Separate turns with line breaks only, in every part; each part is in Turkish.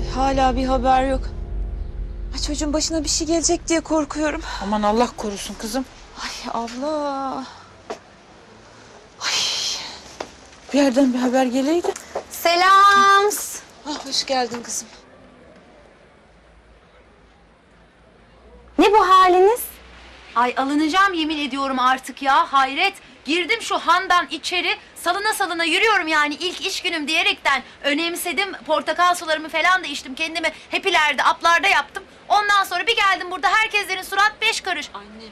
hala bir haber yok. Ay, çocuğun başına bir şey gelecek diye korkuyorum.
Aman Allah korusun kızım.
Ay abla. Ay.
Bir yerden bir haber geleydi.
Selam.
Ah, hoş geldin kızım.
Ne bu haliniz?
Ay alınacağım yemin ediyorum artık ya, hayret. Girdim şu handan içeri, salına salına yürüyorum yani ilk iş günüm diyerekten. Önemsedim, portakal sularımı falan da içtim, kendimi hepilerde, aplarda yaptım. Ondan sonra bir geldim, burada herkeslerin surat 5 karış.
Anne.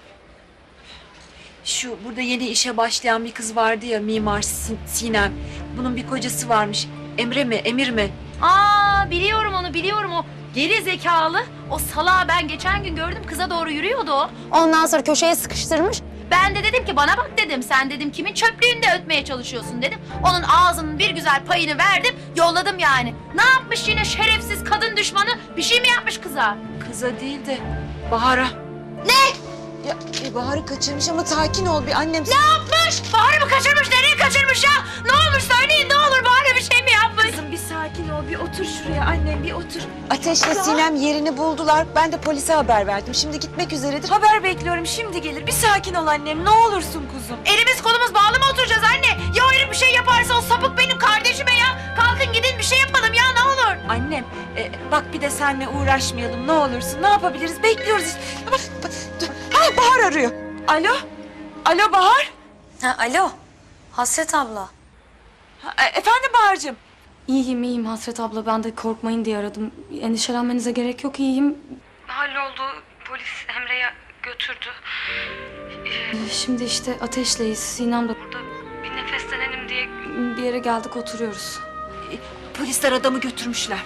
Şu burada yeni işe başlayan bir kız vardı ya, mimar Sinem. Bunun bir kocası varmış. Emre mi, Emir mi?
Aa, biliyorum onu, biliyorum o. Geri zekalı, o salağı ben geçen gün gördüm, kıza doğru yürüyordu o.
Ondan sonra köşeye sıkıştırmış.
Ben de dedim ki bana bak dedim, sen dedim kimin çöplüğünde ötmeye çalışıyorsun dedim. Onun ağzının bir güzel payını verdim, yolladım yani. Ne yapmış yine şerefsiz kadın düşmanı, bir şey mi yapmış kıza?
Kıza değil de Bahar'a.
Ne?
Ya Bahar'ı kaçırmış ama sakin ol bir annem.
Ne yapmış? Bahar'ı mı kaçırmış, nereye kaçırmış ya? Ne olmuş söyleyin, ne olur Bahar'a bir şey mi yapmış?
Kızım bir sakin ol, bir otur şuraya annem, bir otur. Ateşle Sinem yerini buldular. Ben de polise haber verdim. Şimdi gitmek üzeredir. Haber bekliyorum, şimdi gelir. Bir sakin ol annem, ne olursun kuzum.
Elimiz kolumuz bağlı mı oturacağız anne? Ya o herif bir şey yaparsa o sapık benim kardeşime ya. Kalkın gidin bir şey yapalım ya, ne olur.
Annem, bak bir de seninle uğraşmayalım ne olursun. Ne yapabiliriz? Bekliyoruz işte. Ha, Bahar arıyor. Alo? Alo Bahar?
Ha, alo. Hasret abla.
Efendim Bahar'cığım?
İyiyim Hasret abla. Ben de korkmayın diye aradım. Endişelenmenize gerek yok, iyiyim.
Halloldu. Polis Emre'yi götürdü.
Şimdi işte Ateş'leyiz. Sinem de
Burada bir nefeslenelim diye.
bir yere geldik, oturuyoruz.
Polisler adamı götürmüşler.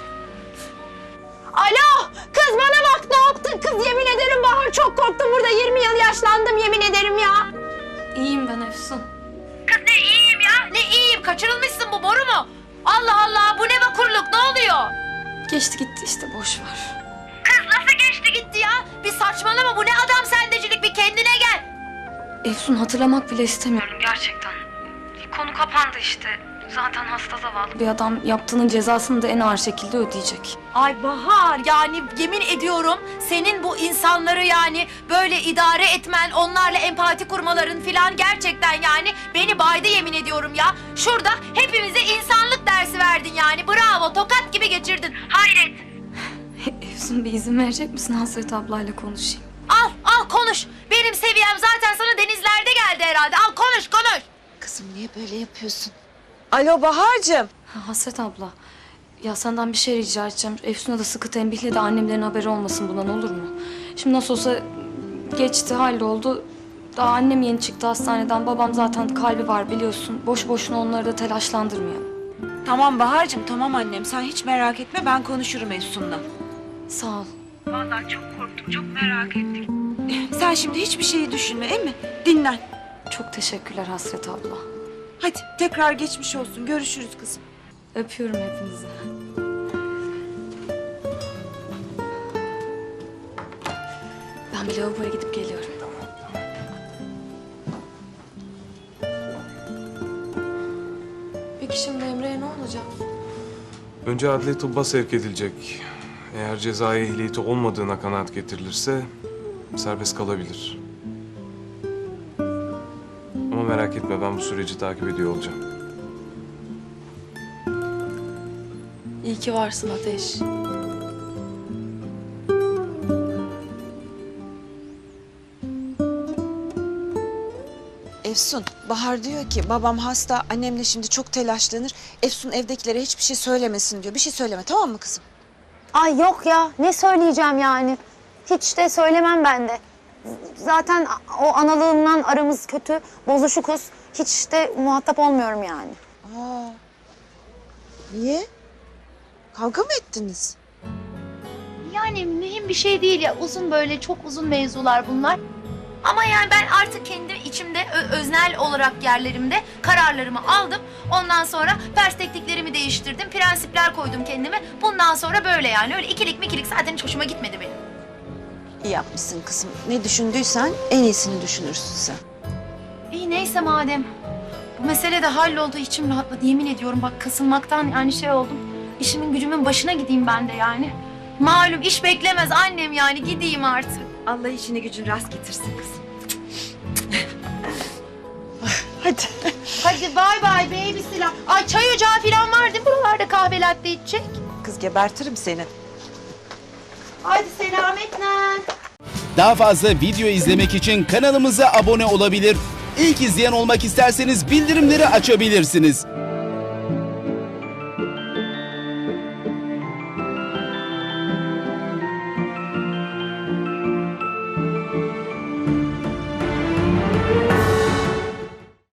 Alo. Kız bana bak, ne yaptın kız? Yemin ederim Bahar, çok korktum burada. 20 yıl yaşlandım yemin ederim ya.
İyiyim ben Efsun.
Kız ne iyiyim ya? Ne iyiyim? Kaçırılmışsın, bu boru mu? Allah Allah, bu ne vakurluk, ne oluyor?
Geçti gitti işte, boş ver.
Kız nasıl geçti gitti ya? Bir saçmalama, bu ne adam sendecilik, bir kendine gel.
Efsun, hatırlamak bile istemiyorum.
Gerçekten. Konu kapandı işte. Zaten hasta zavallı.
Bir adam yaptığının cezasını da en ağır şekilde ödeyecek.
Ay Bahar, yani yemin ediyorum senin bu insanları yani böyle idare etmen, onlarla empati kurmaların filan gerçekten yani beni baydı yemin ediyorum ya. Şurada hepimize insanlık dersi verdin yani, bravo, tokat gibi geçirdin, hayret.
Efsun, bir izin verecek misin, Hasret ablayla konuşayım?
Al konuş, benim seviyem zaten sana denizlerde geldi herhalde, al konuş.
Kızım niye böyle yapıyorsun? Alo Bahar'cığım.
Hasret abla, ya senden bir şey rica edeceğim. Efsun'a da sıkı tembihle de annemlerin haberi olmasın bundan, olur mu? Şimdi nasıl olsa geçti, halloldu. Daha annem yeni çıktı hastaneden. Babam zaten kalbi var biliyorsun. Boş boşuna onları da telaşlandırmayalım.
Tamam Bahar'cığım, tamam annem. Sen hiç merak etme, ben konuşurum Efsun'la.
Sağ ol.
Vallahi çok korktum. Çok merak ettik.
Sen şimdi hiçbir şeyi düşünme, değil mi? Dinlen.
Çok teşekkürler Hasret abla.
Hadi tekrar geçmiş olsun. Görüşürüz kızım.
Öpüyorum hepinizi. Ben bir lavaboya gidip geliyorum. Peki şimdi Emre'ye ne olacak?
Önce adli tıbba sevk edilecek. Eğer cezai ehliyeti olmadığına kanaat getirilirse serbest kalabilir. Ama merak etme, ben bu süreci takip ediyor olacağım.
İyi ki varsın Ateş.
Efsun, Bahar diyor ki babam hasta, annem de şimdi çok telaşlanır. Efsun evdekilere hiçbir şey söylemesin diyor. Bir şey söyleme, tamam mı kızım?
Ay yok ya, ne söyleyeceğim yani. Hiç de söylemem ben de. Zaten o analığımdan aramız kötü, bozuşukuz. Hiç de muhatap olmuyorum yani.
Aa, niye? Kavga mı ettiniz?
Yani mühim bir şey değil ya, uzun böyle çok uzun mevzular bunlar. Ama yani ben artık kendi içimde öznel olarak yerlerimde kararlarımı aldım. Ondan sonra perspektiflerimi değiştirdim, prensipler koydum kendime. Bundan sonra böyle yani, öyle ikilik mikilik zaten hiç hoşuma gitmedi benim.
İyi yapmışsın kızım. Ne düşündüysen en iyisini düşünürsün sen.
İyi neyse madem. Bu mesele de halloldu, içim rahatladı yemin ediyorum, bak kasılmaktan yani şey oldum. işimin gücümün başına gideyim ben de yani. Malum iş beklemez annem yani gideyim artık.
Allah işini gücün rast getirsin kızım. Hadi.
Hadi bay bay baby silah. Ay çay ocağı falan var değil mi buralarda kahve latte içecek?
Kız gebertirim seni.
Hadi selametle.
Daha fazla video izlemek için kanalımıza abone olabilir. İlk izleyen olmak isterseniz bildirimleri açabilirsiniz.